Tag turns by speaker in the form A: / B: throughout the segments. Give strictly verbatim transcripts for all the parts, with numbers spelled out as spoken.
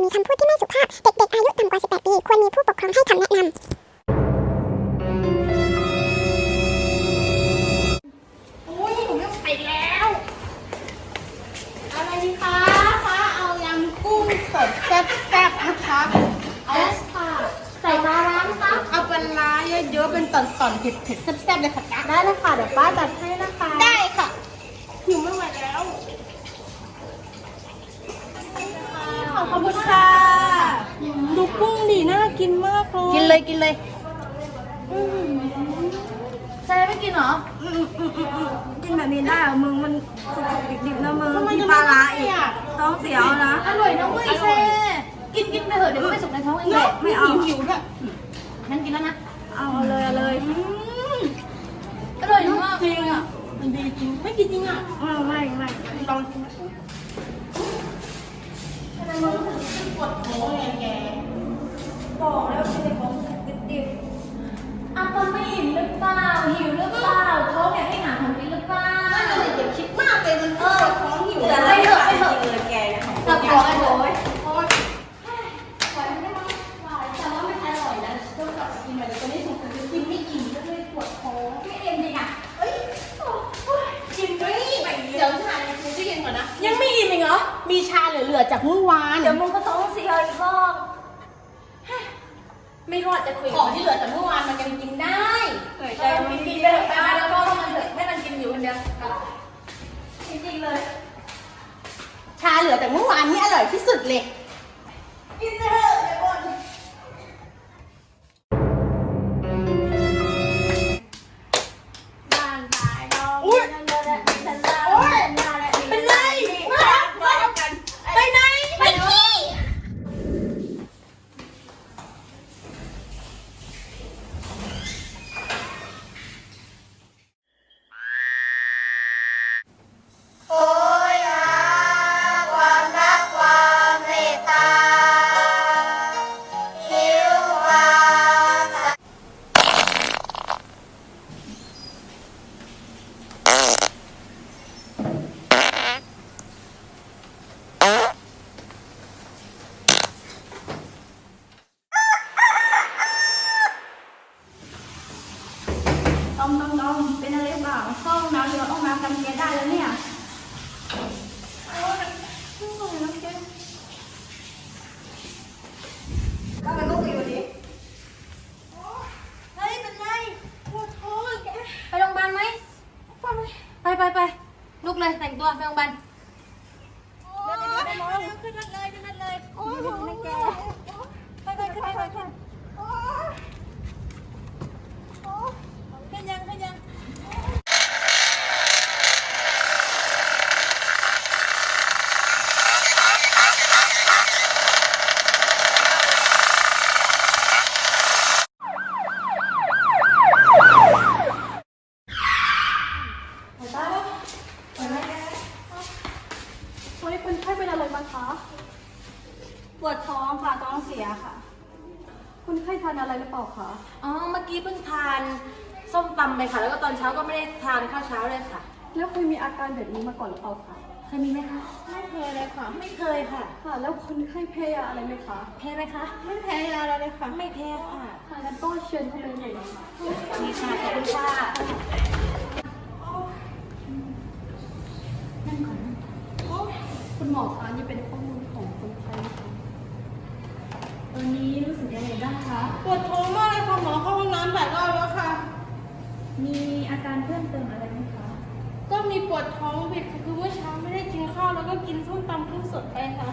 A: มีคำพูดที่ไม่สุภาพเด็กๆอายุต่ำกว่าสิบแปดปีควรมีผู้ปกครองให้คำแนะนำ
B: โอ้ยหนูไม่ไหวแล้วอะไรดีคะคะเอายำกุ้งสดแซ่บๆนะคะเอาค่ะใส่ปลาร้าไหมคะเอาปลาร้าเยอะๆเป็นตอนๆเผ็ดๆแซ่บๆเลยค่ะได้เลยค่ะเดี๋ยวป้าจัดให้นะคะได้ค่ะหิวไม่ไหวแล้วขอบคุณค่ะดูกุ้งดีน่ากินมากเลยกินเลยกินเลยใช่ไม่กินเหรอกินแบบนี้ได้เหรอมึงมันสุกๆดิบๆนะมึงมีปลาร้าอีกท้องเสียวนะอร่อยนะเว้ยเซ่กินกินไปเถอะเดี๋ยวไม่สุกในท้องเองเลยไม่เอาหิวด้วยงั้นกินแล้วนะเอาเลยเอาเลยอร่อยมากจริงอ่ะมันดีจริงไม่กินจริงอ่ะไม่ไม่ลองกินทำไมมึงถึงปวดท้องไงแกบอกแล้วกินแต่ของดิบๆอ่ะมันไม่อิ่มหรือเปล่าหิวหรือเปล่าท้องอยากให้หาของกินหรือเปล่าไม่เลยอย่าคิดมากเลยมันปวดท้องหิวแต่ไม่เถอะไม่เถอะเลยแกจับท้องไอ้โว้ยเพราะว่าปล่อยไม่ได้มั้งแต่ว่าไม่อร่อยนะต้องกลับกินใหม่เดี๋ยวตอนนี้สงสัยจะกินไม่อิ่มก็เลยปวดท้องไม่เอ็นจริงอ่ะเอ้ยกินด้วยเดี๋ยวชาเนี่ยกูจะเย็นก่อนนะยังไม่อิ่มอีกเหรอมีชาเหลือๆจากเมื่อวานเดี๋ยวมึงก็ท้องเสียอีกรอบไม่รอดจะคุยของที่เหลือจากเมื่อวานมันยังกินได้แต่มันกินไปไปมาแล้วก็ให้มันเถอะให้มันกินอยู่คนเดียวจริงๆเลยชาเหลือแต่เมื่อวานนี่อร่อยที่สุดเลยกินเถอะเดี๋ยวก่อนบ้านขายดองอุ้ยโอ๊ยเป็นไรไปไหนไปขี้ดมดมดมเป็นอะไรเปล่าเข้าห้องน้ำเดี๋ยวห้องน้ำกันแกได้แล้วเนี่ยโอ้ยไม่ไหวแล้วแกทำไมต้องตีวันนี้เฮ้ยเป็นไรปวดท้องแกไปโรงพยาบาลไหมไปไปไปลุกเลยแต่งตัวไปโรงพยาบาลเดี๋ยวเดี๋ยวเดี๋ยวขึ้นรถเลยขึ้นรถเลยโอ้ยไม่แกไปไปขึ้นไปขึ้นขึ้นยังขึ้นยังวันนี้คนไข้เป็นอะไรมาคะปวดท้องค่ะท้องเสียค่ะคนไข้ทานอะไรหรือเปล่าคะอ๋อเมื่อกี้เพิ่งทานส้มตำไปค่ะแล้วก็ตอนเช้าก็ไม่ได้ทานข้าวเช้าเลยค่ะแล้วเคยมีอาการแบบนี้มาก่อนหรือเปล่าคะเคยมีไหมคะไม่เคยเลยค่ะไม่เคยค่ะค่ะแล้วคนไข้แพ้ยาอะไรไหมคะแพ้ไหมคะไม่แพ้ยาอะไรเลยค่ะไม่แพ้ค่ะค่ะงั้นก็เชิญเข้าไปเลยนะคะมีค่ะขอบคุณค่ะนั่งก่อนคุณหมอคะนี่เป็นข้อมูลของคนไข้ค่ะตอนนี้รู้สึกยังไงบ้างคะ
C: ปวดท้องมากเลยค่ะหมอเข้าห้องน้ำหลายรอบแล้วค่ะ
B: มีอาการเพิ่มเติมอะไรไหมคะ
C: ก็มีปวดท้องผิดคือเมื่อเช้าไม่ได้กินข้าวแล้วก็กินส้มตำกุ้งสดไปค่ะ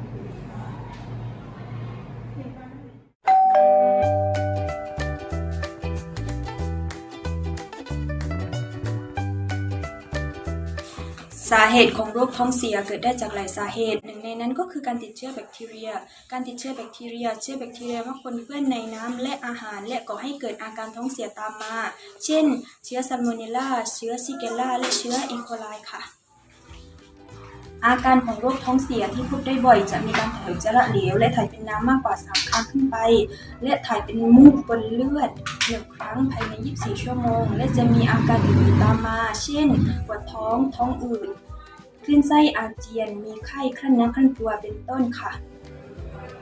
D: สาเหตุของโรคท้องเสียเกิดได้จากหลายสาเหตุหนึ่งในนั้นก็คือการติดเชื้อแบคทีเรียการติดเชื้อแบคทีเรียเชื้อแบคทีเรียมักปนเปื้อนในน้ำและอาหารและก่อให้เกิดอาการท้องเสียตามมาเช่นเชื้อซัลโมเนลลาเชื้อซิเกลลาและเชื้ออีโคไลค่ะอาการของโรคท้องเสียที่พบได้บ่อยจะมีการถ่ายอุจจาระเหลวและถ่ายเป็นน้ำมากกว่าสามครั้งขึ้นไปและถ่ายเป็นมูกบนเลือดหนึ่งครั้งภายในยี่สิบสี่ชั่วโมงและจะมีอาการอื่นๆตามมาเช่นปวดท้องท้องอืดคลื่นไส้อาเจียนมีไข้ครั่นเนื้อครั่นตัวเป็นต้นค่ะ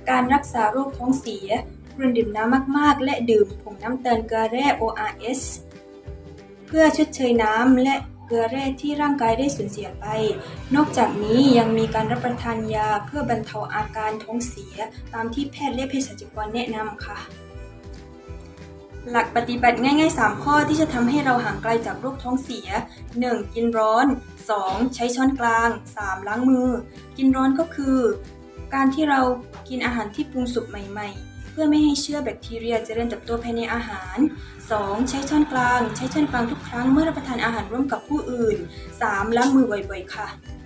D: การรักษาโรคท้องเสียควรดื่มน้ำมากๆและดื่มผงน้ำตาลเกลือแร่ โอ อาร์ เอส เพื่อชดเชยน้ำและเกลือแร่ที่ร่างกายได้สูญเสียไปนอกจากนี้ยังมีการรับประทานยาเพื่อบรรเทาอาการท้องเสียตามที่แพทย์และเภสัชกรแนะนำค่ะหลักปฏิบัติง่ายๆสามข้อที่จะทำให้เราห่างไกลจากโรคท้องเสีย หนึ่ง กินร้อน สอง ใช้ช้อนกลาง สาม ล้างมือกินร้อนก็คือการที่เรากินอาหารที่ปรุงสุกใหม่ๆเพื่อไม่ให้เชื้อแบคทีเรียเจริญเติบโตภายในอาหาร สอง ใช้ช้อนกลางใช้ช้อนกลางทุกครั้งเมื่อรับประทานอาหารร่วมกับผู้อื่น สาม ล้างมือบ่อยๆค่ะ